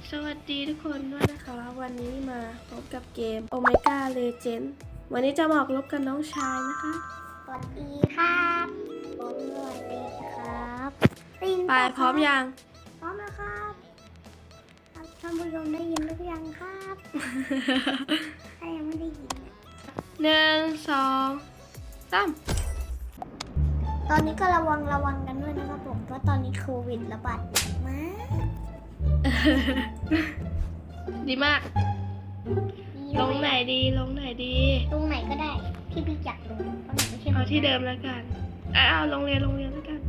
สวัสดีทุกคนด้วยนะคะวันนี้มาพบกับเกม Omega Legend วันนี้จะมาออกรบกับน้องชายนะคะสวัสดีครับผมสวัสดีครับไปพร้อมยังพร้อมแล้วครับท่านผู้ชมได้ยินหรือยังครับ ถ้ายังไม่ได้ยิน 1 2 3 ตอนนี้ก็ระวังกันด้วยนะครับผมเพราะตอนนี้โควิดระบาดหนักมากดีมากลงไหนดีลงไหนก็ได้ที่พี่จักลงเพราะหนูไม่ใช่เอาที่เดิมแล้วกันเอาโรงเรียนแล้วกัน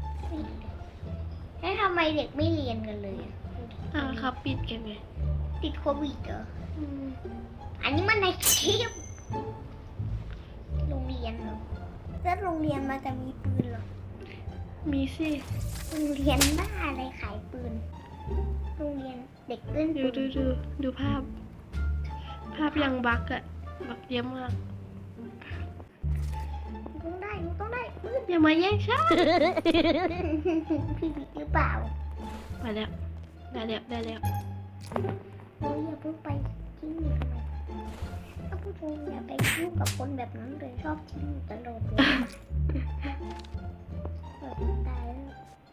แล้วทำไมเด็กไม่เรียนกันเลยเขาปิดกันไงติดโควิดเหรออันนี้มันในคลิปโรงเรียนเหรอแล้วโรงเรียนมันจะมีปืนเหรอมีสิโรงเรียนบ้าอะไรขายปืนโรงเรียนเด็กเล่นปืนดูภาพยังบักเยอะมากต้องได้อย่ามาแย่งฉันพี่บิ๊กหรือเปล่ามาแล้วได้แล้วโอ้ยอย่าเพิ่งไปทิ้งหนูทำไมถ้าผู้ชมอย่าไปยุ่งกับคนแบบนั้นเลยชอบทิ้งตลอดเลยตายแล้ว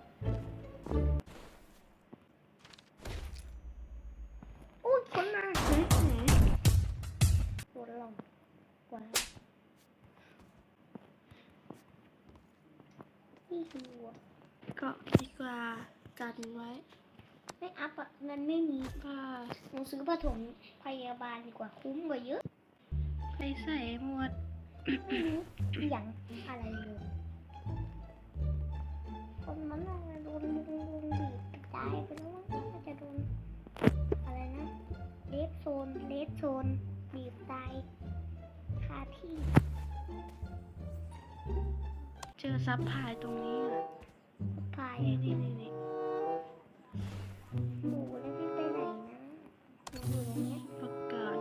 อุ้ยคนมาปวดหลังกว่าพี่ดูก็ดีกว่ากันไว้ไม่อัพอะเงินไม่มีหนูซื้อผสมพยาบาลดีกว่าคุ้มกว่าเยอะไปใส่หมดอย่างอะไรเลยคนมันน่าจะโดนบีบตายไปแล้วน่าจะโดนอะไรนะเลสโซนบีบตายคาที่เจอซับพายตรงนี้พายนี่หมูแล้วพี่ไปไหนนะหนูอยู่ตรงนี้ประกาศ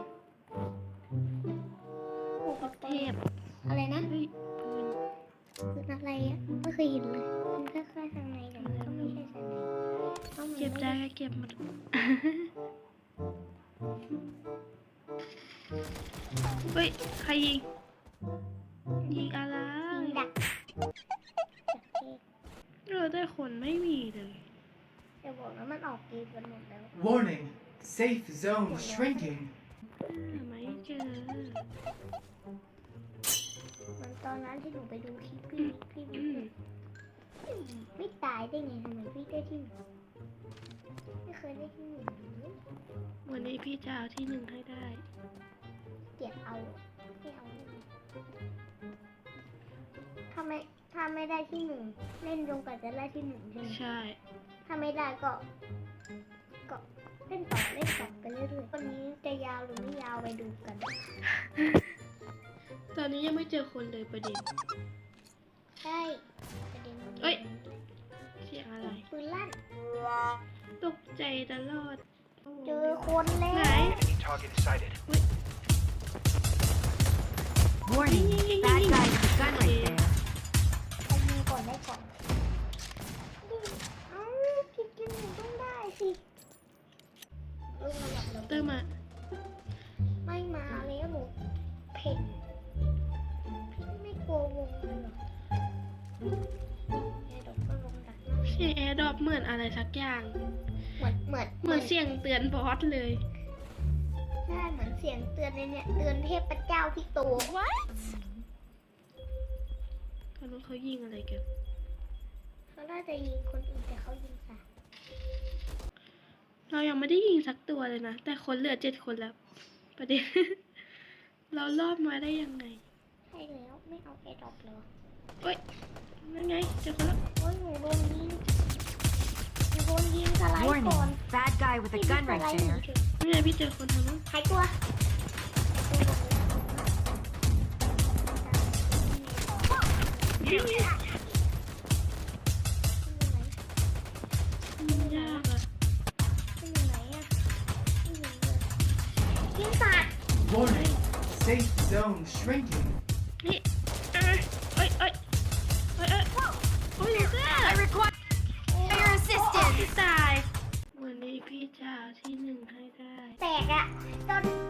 หมูกระเทพอะไรนะปืนอะไรอ่ะไม่เคยเห็นเลยมันแค่ทางในแต่ก็ไม่ใช่ทางในเก็บได้ก็เก็บมาเฮ้ยใครยิงอะไรดักเราได้คนไม่มีเลยจะบอกว่ามันออกกีกันหมดแล้ว Warning safe zone shrinking ไม่เจอมันตอนนั้นที่หนูไปดูคลิปพี่ไม่ตายได้ไงทำไมพี่ได้ที่หนึ่งไม่เคยได้ที่หนึ่งวันนี้พี่จะเอาที่1ให้ได้เดี๋ยวเอาไม่เอาถ้าไม่ได้ที่1เล่นจนกว่าจะได้ที่1ใช่ไหมใช่ถ้าไม่ได้ก็เล่นต่อไปเรื่อยๆวันนี้จะยาวหรือไม่ยาวไปดูกันตอนนี้ยังไม่เจอคนเลยประเด็นใช่ประเด็นเอ้ยเสียงอะไรปืนลั่นตกใจตลอดเจอคนแล้วไหน Warning, bad guy with a gun right there. ยิงก่อนได้ก่อนกินหนูต้องได้สิเติมมาไม่มาแล้วหนูเผ็ดพี่ไม่กลัววงเลยหรอแอร์ดรอปก็ลงดักเสียงแอร์ดรอปเหมือนอะไรสักอย่างเหมือนเสียงเตือนบอสเลยใช่เหมือนเสียงเตือนในเนี่ยเตือนเทพเจ้าพี่โต What เขายิงอะไรกันเขาน่าจะยิงคนอื่นแต่เขายิงสัตว์เรายังไม่ได้ยิงสักตัวเลยนะแต่คนเหลือ7 คนแล้วประเด็น เรารอดมาได้ยังไงใช่แล้วไม่เอาแอร์ดรอปเลยเฮ้ยนั่นไงเจอคนแล้วโอ้ยหนูโดนยิงสไลด์ก่อน bad guy with a gun right there นี่ไงพี่เจอคนทางนู้นหายตัวยากอะอยู่ไหนอะยิงสัตว์ Warning safe zone shrinking นี่เอ้ยI require your assistance ตายวันนี้พี่จะที่กอะโดน